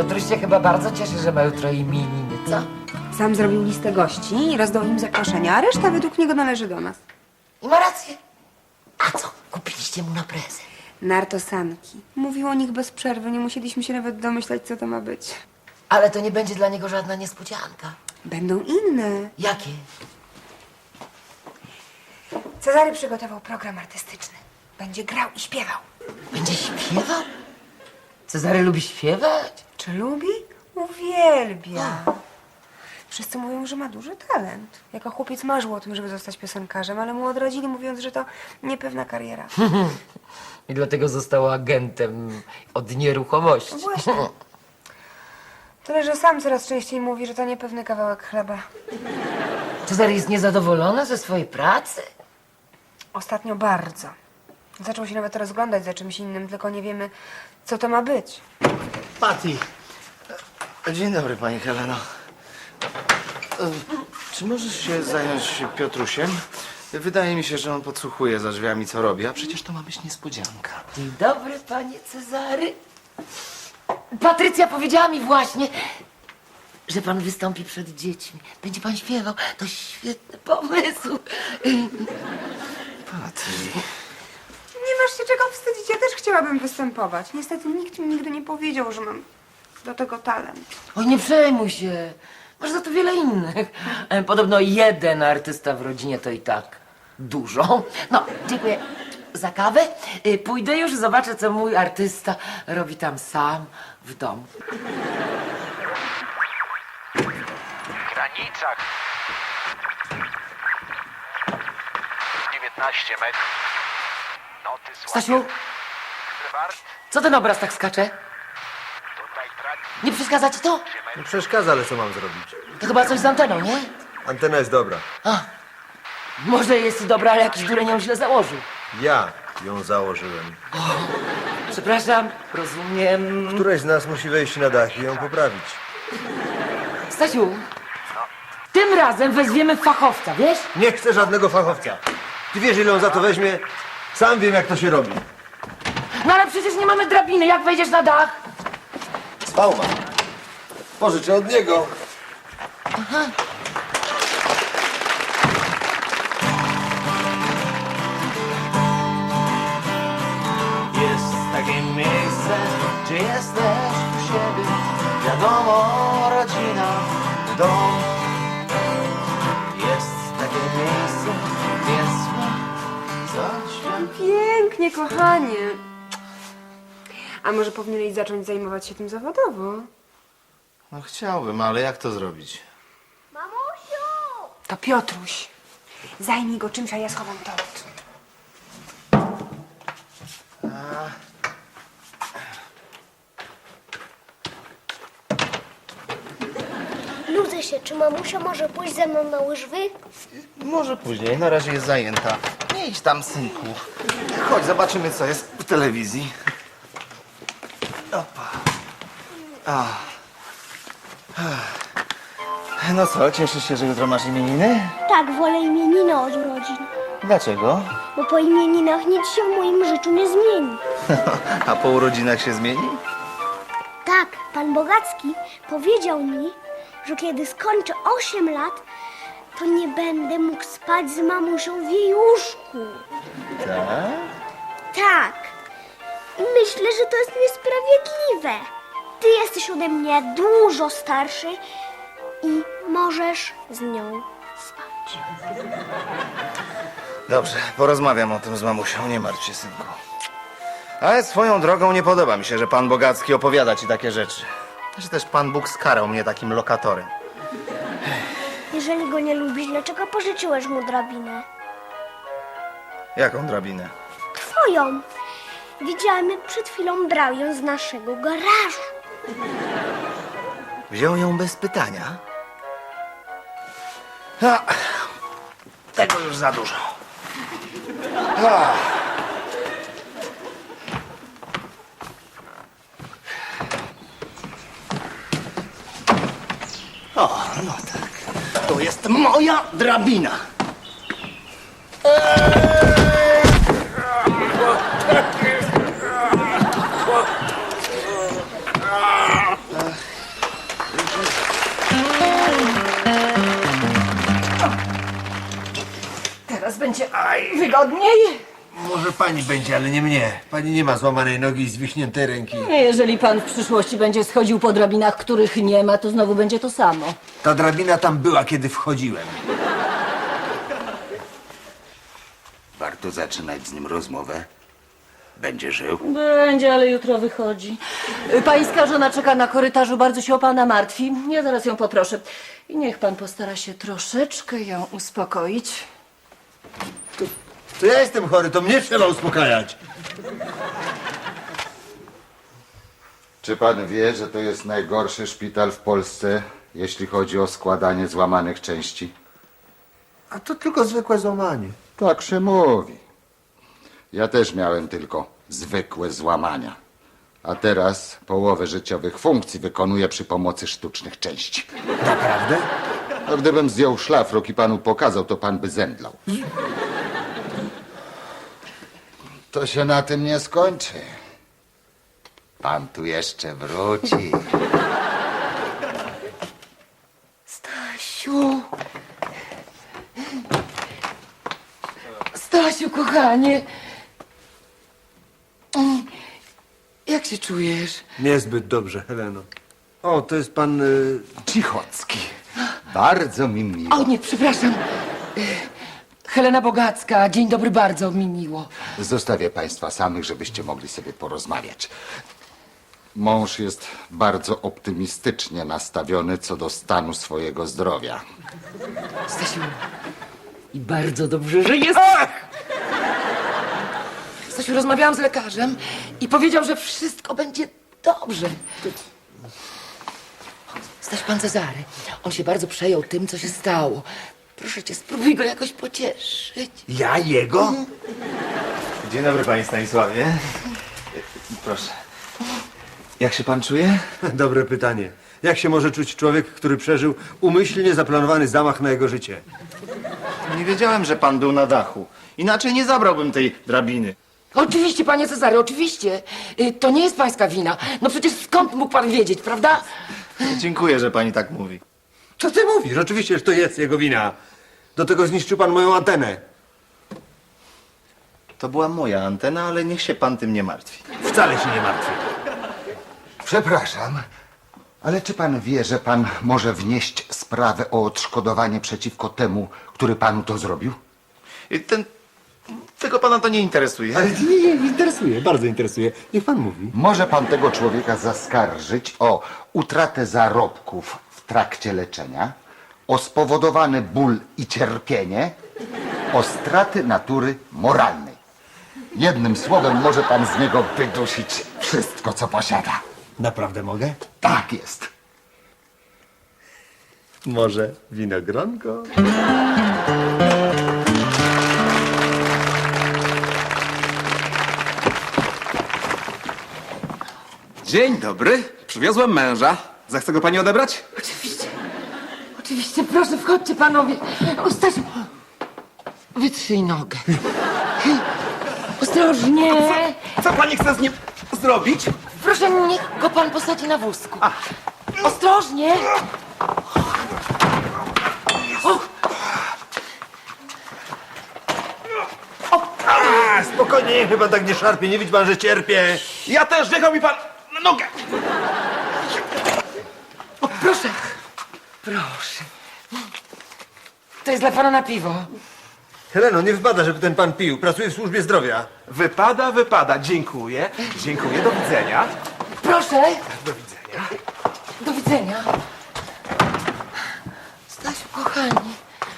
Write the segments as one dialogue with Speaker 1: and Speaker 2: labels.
Speaker 1: Piotruś się chyba bardzo cieszy, że ma jutro imieniny, co?
Speaker 2: Sam zrobił listę gości i rozdał im zaproszenia, a reszta według niego należy do nas.
Speaker 1: I ma rację. A co kupiliście mu na prezent?
Speaker 2: Nartosanki. Mówił o nich bez przerwy, nie musieliśmy się nawet domyślać, co to ma być.
Speaker 1: Ale to nie będzie dla niego żadna niespodzianka.
Speaker 2: Będą inne.
Speaker 1: Jakie?
Speaker 2: Cezary przygotował program artystyczny. Będzie grał i śpiewał.
Speaker 1: Będzie śpiewał? Cezary lubi śpiewać?
Speaker 2: Czy lubi? Uwielbia. Wszyscy mówią, że ma duży talent. Jako chłopiec marzył o tym, żeby zostać piosenkarzem, ale mu odradzili, mówiąc, że to niepewna kariera.
Speaker 1: I dlatego został agentem od nieruchomości.
Speaker 2: No właśnie. Tyle, że sam coraz częściej mówi, że to niepewny kawałek chleba.
Speaker 1: Cezary jest niezadowolony ze swojej pracy?
Speaker 2: Ostatnio bardzo. Zaczął się nawet rozglądać za czymś innym, tylko nie wiemy, co to ma być.
Speaker 3: Patty. Dzień dobry, pani Heleno. Czy możesz się zająć Piotrusiem? Wydaje mi się, że on podsłuchuje za drzwiami, co robi, a przecież to ma być niespodzianka.
Speaker 1: Dzień dobry, panie Cezary. Patrycja powiedziała mi właśnie, że pan wystąpi przed dziećmi. Będzie pan śpiewał. To świetny pomysł.
Speaker 3: Patty.
Speaker 2: Nie masz się czego wstydzić, ja też chciałabym występować. Niestety nikt mi nigdy nie powiedział, że mam do tego talent.
Speaker 1: Oj, nie przejmuj się. Masz za to wiele innych. Podobno jeden artysta w rodzinie to i tak dużo. No, dziękuję za kawę. Pójdę już, zobaczę, co mój artysta robi tam sam w domu.
Speaker 4: W granicach 19 metrów. Noty słabe.
Speaker 1: Stasiu,
Speaker 4: Wart,
Speaker 1: co ten obraz tak skacze?
Speaker 4: tutaj traci
Speaker 1: Nie przeszkadza ci to?
Speaker 5: Nie przeszkadza, ale co mam zrobić?
Speaker 1: To chyba coś z anteną, nie?
Speaker 5: Antena jest dobra.
Speaker 1: Może jest dobra, ale jakiś dureń ją źle założył.
Speaker 5: Ja ją założyłem.
Speaker 1: Przepraszam, rozumiem.
Speaker 5: Któreś z nas musi wejść na dach i ją poprawić.
Speaker 1: Stasiu, tym razem weźmiemy fachowca, wiesz?
Speaker 5: Nie chcę żadnego fachowca. Ty wiesz, ile on za to weźmie? Sam wiem, jak to się robi.
Speaker 1: No ale przecież nie mamy drabiny, jak wejdziesz na dach?
Speaker 5: Spałma. Pożyczę od niego.
Speaker 3: Jest takie miejsce, gdzie jesteś u siebie. Wiadomo, rodzina, dom. Jest takie miejsce, więc coś.
Speaker 2: Pięknie, kochanie. A może powinieneś zacząć zajmować się tym zawodowo?
Speaker 3: No chciałbym, ale jak to zrobić?
Speaker 2: To Piotruś. Zajmij go czymś, a ja schowam tort.
Speaker 6: Nudzę się, czy mamusia może pójść ze mną na łyżwy?
Speaker 3: Może później, na razie jest zajęta. Nie idź tam, synku. Chodź, zobaczymy, co jest w telewizji. Opa. No co, cieszysz się, że jutro masz imieniny?
Speaker 6: Tak, wolę imieniny od urodzin.
Speaker 3: Dlaczego?
Speaker 6: Bo po imieninach nic się w moim życiu nie zmieni.
Speaker 3: A po urodzinach się zmieni?
Speaker 6: Tak, pan Bogacki powiedział mi, że kiedy skończę 8 lat, to nie będę mógł spać z mamusią w jej łóżku.
Speaker 3: Tak?
Speaker 6: Tak. Myślę, że to jest niesprawiedliwe. Ty jesteś ode mnie dużo starszy i możesz z nią spać.
Speaker 3: Dobrze, porozmawiam o tym z mamusią, nie martw się, synku. Ale swoją drogą nie podoba mi się, że pan Bogacki opowiada ci takie rzeczy. Że też pan Bóg skarał mnie takim lokatorem.
Speaker 6: Jeżeli go nie lubisz, dlaczego pożyczyłeś mu drabinę?
Speaker 3: Jaką drabinę?
Speaker 6: Twoją. Widziałem, jak przed chwilą brał ją z naszego garażu.
Speaker 3: Wziął ją bez pytania? A, tego już za dużo. A. O, no tak. To jest moja drabina.
Speaker 7: Wygodniej?
Speaker 5: Może pani będzie, ale nie mnie. Pani nie ma złamanej nogi i zwichniętej ręki.
Speaker 7: Jeżeli pan w przyszłości będzie schodził po drabinach, których nie ma, to znowu będzie to samo.
Speaker 5: Ta drabina tam była, kiedy wchodziłem.
Speaker 8: Warto zaczynać z nim rozmowę. Będzie żył.
Speaker 7: Będzie, ale jutro wychodzi. Pańska żona czeka na korytarzu, bardzo się o pana martwi. Ja zaraz ją poproszę. I niech pan postara się troszeczkę ją uspokoić.
Speaker 5: To ja jestem chory, to mnie trzeba uspokajać.
Speaker 8: Czy pan wie, że to jest najgorszy szpital w Polsce, jeśli chodzi o składanie złamanych części?
Speaker 5: A to tylko zwykłe złamanie.
Speaker 8: Tak się mówi. Ja też miałem tylko zwykłe złamania. A teraz połowę życiowych funkcji wykonuję przy pomocy sztucznych części.
Speaker 5: Naprawdę?
Speaker 8: A gdybym zdjął szlafrok i panu pokazał, to pan by zemdlał. To się na tym nie skończy. Pan tu jeszcze wróci.
Speaker 1: Stasiu. Stasiu, kochanie. Jak się czujesz?
Speaker 5: Niezbyt dobrze, Heleno. O, to jest pan...
Speaker 8: Cichocki. Bardzo mi miło.
Speaker 1: O nie, przepraszam. Helena Bogacka. Dzień dobry, bardzo mi miło.
Speaker 8: Zostawię państwa samych, żebyście mogli sobie porozmawiać. Mąż jest bardzo optymistycznie nastawiony co do stanu swojego zdrowia.
Speaker 1: Stasiu. I bardzo dobrze, że jest. Stasiu, rozmawiałam z lekarzem i powiedział, że wszystko będzie dobrze. Stasiu, pan Cezary, on się bardzo przejął tym, co się stało. Proszę cię, spróbuj go jakoś pocieszyć.
Speaker 5: Ja jego?
Speaker 3: Dzień dobry, panie Stanisławie. Proszę. Jak się pan czuje?
Speaker 5: Dobre pytanie. Jak się może czuć człowiek, który przeżył umyślnie zaplanowany zamach na jego życie?
Speaker 3: Nie wiedziałem, że pan był na dachu. Inaczej nie zabrałbym tej drabiny.
Speaker 1: Oczywiście, panie Cezary, oczywiście. To nie jest pańska wina. No przecież skąd mógł pan wiedzieć, prawda?
Speaker 3: Dziękuję, że pani tak mówi.
Speaker 5: Co ty mówisz? Oczywiście, że to jest jego wina. Do tego zniszczył pan moją antenę.
Speaker 3: To była moja antena, ale niech się pan tym nie martwi.
Speaker 5: Wcale się nie martwię.
Speaker 8: Przepraszam, ale czy pan wie, że pan może wnieść sprawę o odszkodowanie przeciwko temu, który panu to zrobił?
Speaker 3: Tego pana to nie interesuje.
Speaker 5: Ale nie, interesuje, bardzo interesuje. Niech pan mówi.
Speaker 8: Może pan tego człowieka zaskarżyć o utratę zarobków w trakcie leczenia, o spowodowany ból i cierpienie, o straty natury moralnej. Jednym słowem może pan z niego wydusić wszystko, co posiada.
Speaker 5: Naprawdę mogę?
Speaker 8: Tak jest.
Speaker 5: Może winogronko?
Speaker 9: Dzień dobry. Przywiozłem męża. Zechce go pani odebrać?
Speaker 1: Oczywiście. Oczywiście, proszę, wchodźcie panowie. O, Stasiu, wytrzyj nogę. Ostrożnie.
Speaker 9: Co pani chce z nim zrobić?
Speaker 1: Proszę, niech go pan posadzi na wózku. Ostrożnie.
Speaker 5: Spokojnie, niech mnie pan tak nie szarpie. Nie widzi pan, że cierpię.
Speaker 9: Ja też, jechał mi pan na nogę.
Speaker 1: O, proszę. Proszę. To jest dla pana na piwo.
Speaker 5: Heleno, nie wypada, żeby ten pan pił. Pracuje w służbie zdrowia.
Speaker 9: Wypada. Dziękuję. Dziękuję. Do widzenia.
Speaker 1: Proszę.
Speaker 9: Do widzenia.
Speaker 1: Do widzenia. Stasiu, kochani.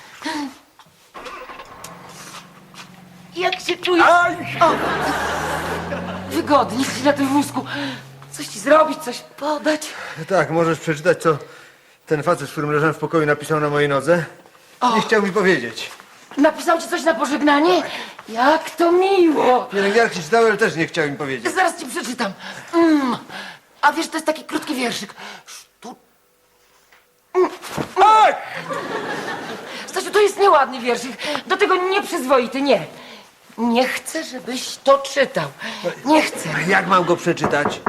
Speaker 1: Jak się czujesz? O, wygodnie ci na tym wózku. Coś ci zrobić, coś podać.
Speaker 5: Tak, możesz przeczytać, co ten facet, z którym leżałem w pokoju, napisał na mojej nodze. Nie chciał mi powiedzieć.
Speaker 1: Napisał ci coś na pożegnanie? Jak to miło.
Speaker 5: Pielęgniarki czytały, ale też nie chciał mi powiedzieć.
Speaker 1: Zaraz ci przeczytam. A wiesz, to jest taki krótki wierszyk. Stasiu, to jest nieładny wierszyk. Do tego nieprzyzwoity, nie. Nie chcę, żebyś to czytał. Nie chcę.
Speaker 5: Jak mam go przeczytać?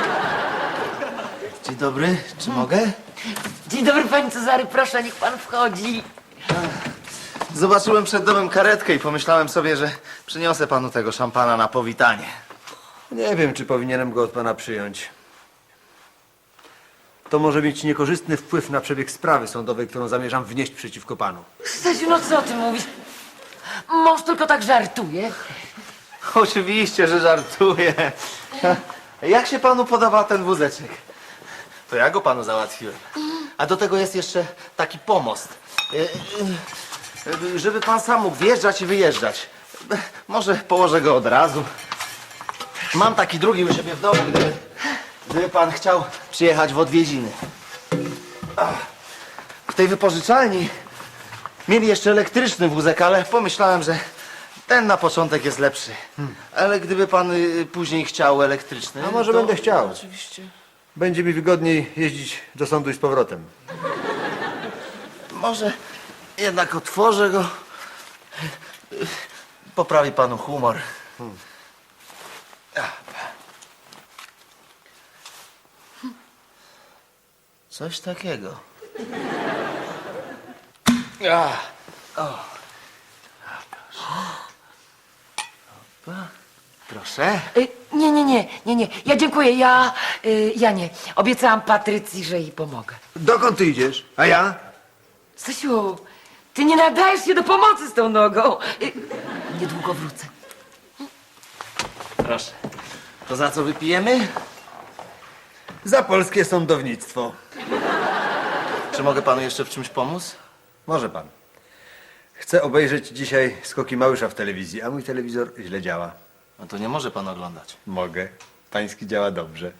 Speaker 3: Dzień dobry, czy mogę?
Speaker 1: Dzień dobry, panie Cezary, proszę, niech pan wchodzi.
Speaker 3: Zobaczyłem przed domem karetkę i pomyślałem sobie, że przyniosę panu tego szampana na powitanie.
Speaker 5: Nie wiem, czy powinienem go od pana przyjąć. To może mieć niekorzystny wpływ na przebieg sprawy sądowej, którą zamierzam wnieść przeciwko panu.
Speaker 1: Stasiu, no co ty mówisz? Mąż tylko tak żartuje.
Speaker 3: Oczywiście, że żartuję. Jak się panu podoba ten wózeczek? To ja go panu załatwiłem. A do tego jest jeszcze taki pomost. Żeby pan sam mógł wjeżdżać i wyjeżdżać. Może położę go od razu. Mam taki drugi u siebie w domu, gdyby pan chciał przyjechać w odwiedziny. W tej wypożyczalni mieli jeszcze elektryczny wózek, ale pomyślałem, że ten na początek jest lepszy. Ale gdyby pan później chciał elektryczny...
Speaker 5: A może
Speaker 3: to
Speaker 5: będę chciał.
Speaker 3: Oczywiście.
Speaker 5: Będzie mi wygodniej jeździć do sądu i z powrotem.
Speaker 3: Może jednak otworzę go. Poprawi panu humor. Coś takiego. Proszę.
Speaker 1: Nie. Ja dziękuję, ja nie. Obiecałam Patrycji, że jej pomogę.
Speaker 5: Dokąd ty idziesz? A ja?
Speaker 1: Stasiu, ty nie nadajesz się do pomocy z tą nogą. Niedługo wrócę.
Speaker 3: Proszę. To za co wypijemy?
Speaker 5: Za polskie sądownictwo.
Speaker 3: Czy mogę panu jeszcze w czymś pomóc?
Speaker 5: Może pan. Chcę obejrzeć dzisiaj skoki Małysza w telewizji, a mój telewizor źle działa.
Speaker 3: No to nie może pan oglądać.
Speaker 5: Mogę. Pański działa dobrze.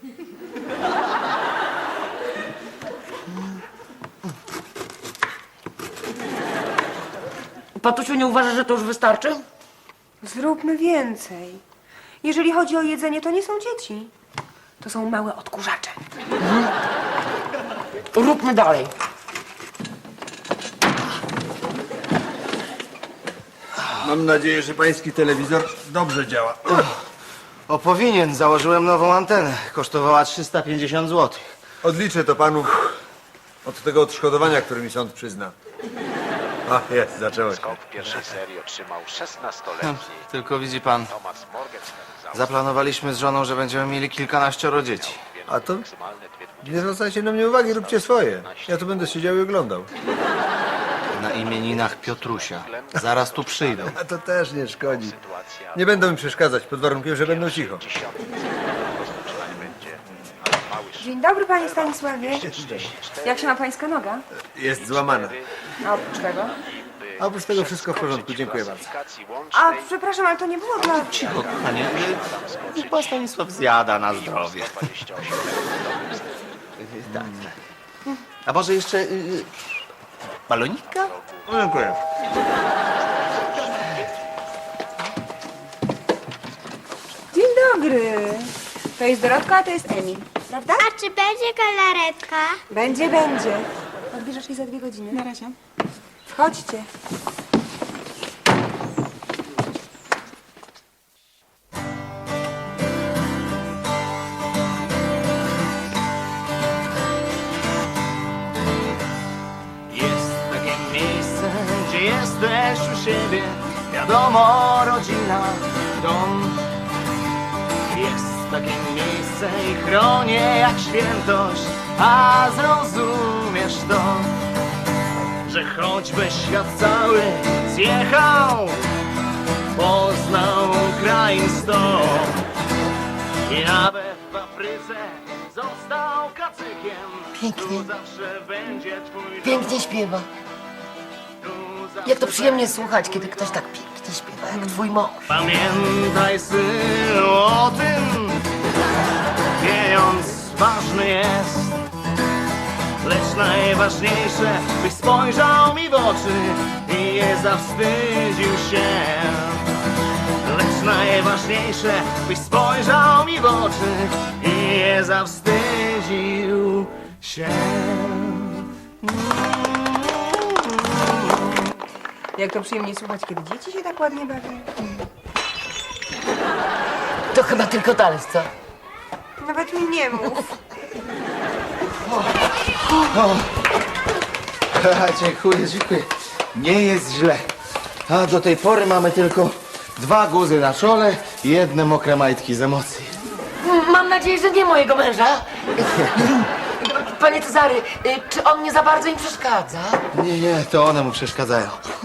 Speaker 1: Patusiu, nie uważasz, że to już wystarczy?
Speaker 2: Zróbmy więcej. Jeżeli chodzi o jedzenie, to nie są dzieci. To są małe odkurzacze.
Speaker 1: Róbmy dalej.
Speaker 5: Mam nadzieję, że pański telewizor dobrze działa.
Speaker 3: O, powinien. Założyłem nową antenę. Kosztowała 350 zł.
Speaker 5: Odliczę to panu od tego odszkodowania, które mi sąd przyzna. A, jest, zaczęło się.
Speaker 4: Skok w pierwszej serii otrzymał 16-letni
Speaker 3: Tylko widzi pan,
Speaker 4: Thomas Morgenstern.
Speaker 3: zaplanowaliśmy z żoną, że będziemy mieli kilkanaścioro dzieci.
Speaker 5: A to
Speaker 4: Maksymalne dwie
Speaker 5: nie zwracajcie na mnie uwagi, róbcie swoje. Ja tu będę siedział i oglądał.
Speaker 3: Na imieninach Piotrusia. Zaraz tu przyjdą.
Speaker 5: A to też nie szkodzi.
Speaker 4: sytuacja.
Speaker 5: Nie będą mi przeszkadzać, pod warunkiem, że będą cicho.
Speaker 4: Rozpoczynanie będzie. Ale Małysz
Speaker 2: Dzień dobry, panie Stanisławie. Jak się ma pańska noga?
Speaker 5: Jest złamana.
Speaker 2: A oprócz tego?
Speaker 5: A oprócz tego wszystko w porządku, dziękuję bardzo.
Speaker 4: klasyfikacji
Speaker 2: A,
Speaker 4: łącznej
Speaker 2: przepraszam, ale to nie było dla...
Speaker 3: Cicho, kochanie. Niech pan Stanisław zjada na zdrowie.
Speaker 4: 28
Speaker 3: Tak. A może jeszcze balonika?
Speaker 5: No, dziękuję.
Speaker 2: Dzień dobry. To jest Dorotka, a to jest Emil. Prawda?
Speaker 6: A czy będzie galaretka?
Speaker 2: Będzie. Odbierzesz jej za 2 godziny. Na razie. Wchodźcie.
Speaker 3: Jest takie miejsce, gdzie jesteś u siebie. Wiadomo, rodzina, dom. Jest takie miejsce i chronię jak świętość. A zrozumiesz to, że choćby świat cały zjechał, poznał krain sto. I nawet w Afryce został kacykiem.
Speaker 1: Pięknie.
Speaker 3: Tu zawsze będzie twój dom.
Speaker 1: Pięknie śpiewa.
Speaker 3: Tu zawsze
Speaker 1: Jak to przyjemnie słuchać, kiedy ktoś tak pięknie śpiewa, jak twój mąż.
Speaker 3: Pamiętaj, synu, o tym, pieniądz ważny jest, lecz najważniejsze, byś spojrzał mi w oczy i nie zawstydził się. Lecz najważniejsze, byś spojrzał mi w oczy i nie zawstydził się.
Speaker 2: Jak to przyjemnie słuchać, kiedy dzieci się tak ładnie bawią.
Speaker 1: To chyba tylko talerz, co?
Speaker 2: Nawet mi nie mów.
Speaker 3: Dziękuję. Nie jest źle. A do tej pory mamy tylko 2 guzy na czole i 1 mokre majtki z emocji.
Speaker 1: Mam nadzieję, że nie mojego męża. Panie Cezary, czy on nie za bardzo im przeszkadza?
Speaker 3: Nie, to one mu przeszkadzają.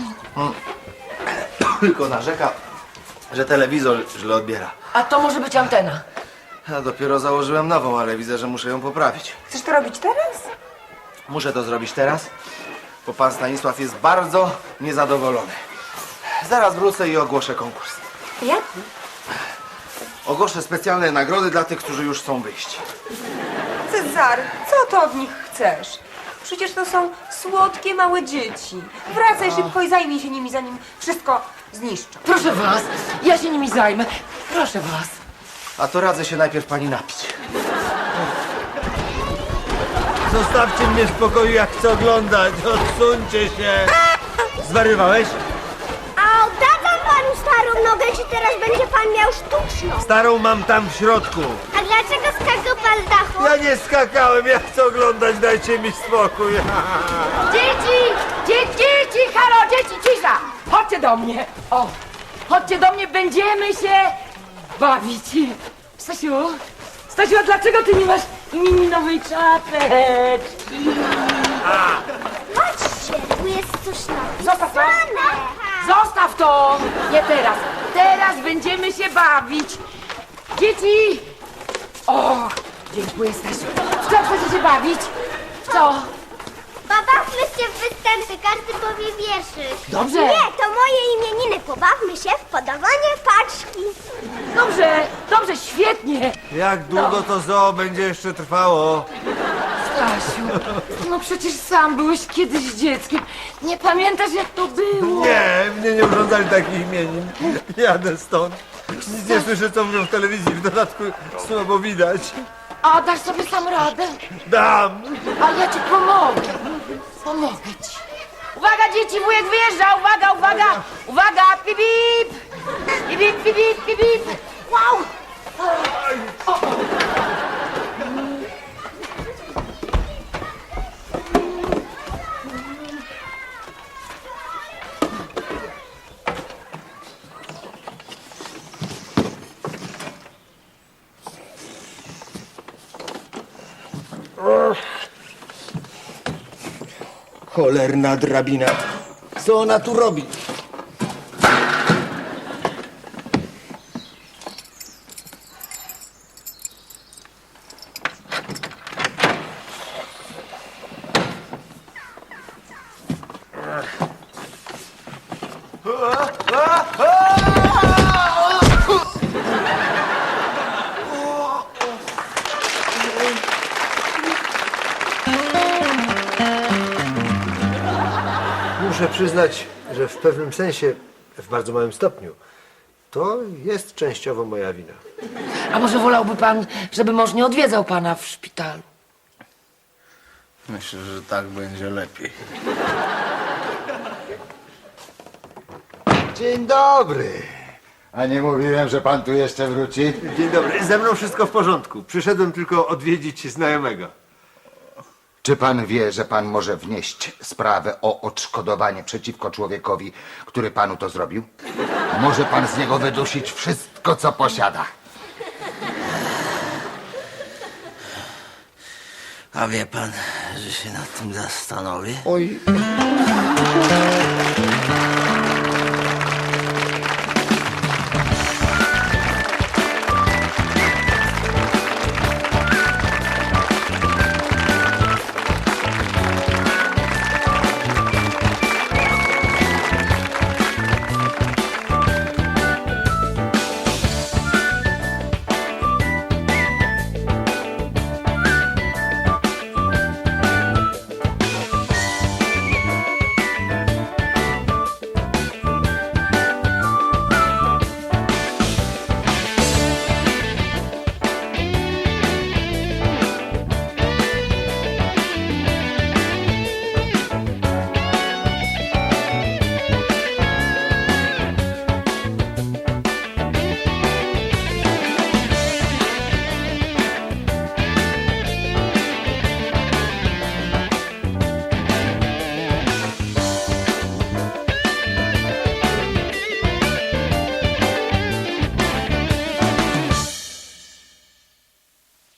Speaker 3: Tylko narzeka, że telewizor źle odbiera.
Speaker 1: A to może być antena.
Speaker 3: Ja dopiero założyłem nową, ale widzę, że muszę ją poprawić.
Speaker 2: Chcesz to robić teraz?
Speaker 3: Muszę to zrobić teraz, bo pan Stanisław jest bardzo niezadowolony. Zaraz wrócę i ogłoszę konkurs.
Speaker 2: Jak?
Speaker 3: Ogłoszę specjalne nagrody dla tych, którzy już chcą wyjść.
Speaker 2: Cezary, co to od nich chcesz? Przecież to są słodkie małe dzieci. Wracaj szybko i zajmij się nimi, zanim wszystko zniszczą.
Speaker 1: Proszę was, ja się nimi zajmę. Proszę was.
Speaker 3: A to radzę się najpierw pani napić.
Speaker 5: Zostawcie mnie w spokoju, jak chcę oglądać. Odsuńcie się. Zwariowałeś?
Speaker 6: A oddawam panu starą nogę, czy teraz będzie pan miał sztuczną?
Speaker 5: Starą mam tam w środku.
Speaker 6: A dlaczego skakał pan z dachu?
Speaker 5: Ja nie skakałem, ja chcę oglądać, dajcie mi spokój.
Speaker 1: Dzieci, halo, dzieci, cisza! Chodźcie do mnie. O, chodźcie do mnie, będziemy się bawić. Stasiu, a dlaczego ty nie masz mini nowej czapeczki?
Speaker 6: Patrzcie, tu jest coś
Speaker 1: Zostaw to!
Speaker 6: napisane.
Speaker 1: Zostaw to! Nie teraz. Teraz będziemy się bawić. Dzieci! O, dziękuję, Stasiu. W co chcecie się bawić? W co?
Speaker 6: Pobawmy się w występy, każdy powie wierszyk.
Speaker 1: Dobrze.
Speaker 6: Nie, to moje imieniny. Pobawmy się w podawanie paczki.
Speaker 1: Dobrze, świetnie.
Speaker 5: Jak długo to zoo będzie jeszcze trwało?
Speaker 1: Stasiu, no przecież sam byłeś kiedyś dzieckiem. Nie pamiętasz, jak to było?
Speaker 5: Nie, mnie nie urządzali takich imienin. Jadę stąd. Nic nie słyszę, co mówią w telewizji. W dodatku słabo widać.
Speaker 1: A dasz sobie sam radę?
Speaker 5: Dam.
Speaker 1: A ja ci pomogę. Pomogę ci. Uwaga, dzieci, wujek wyjeżdża. Uwaga. Uwaga, pip, pip. Pip, pip, pip, pip, pip, pip. Wow.
Speaker 5: Cholerna drabina. Co ona tu robi? Muszę przyznać, że w pewnym sensie, w bardzo małym stopniu, to jest częściowo moja wina.
Speaker 1: A może wolałby pan, żeby mąż nie odwiedzał pana w szpitalu?
Speaker 3: Myślę, że tak będzie lepiej.
Speaker 8: Dzień dobry. A nie mówiłem, że pan tu jeszcze wróci?
Speaker 5: Dzień dobry, ze mną wszystko w porządku. Przyszedłem tylko odwiedzić znajomego.
Speaker 8: Czy pan wie, że pan może wnieść sprawę o odszkodowanie przeciwko człowiekowi, który panu to zrobił? Może pan z niego wydusić wszystko, co posiada.
Speaker 10: A wie pan, że się nad tym zastanowię?
Speaker 8: Oj.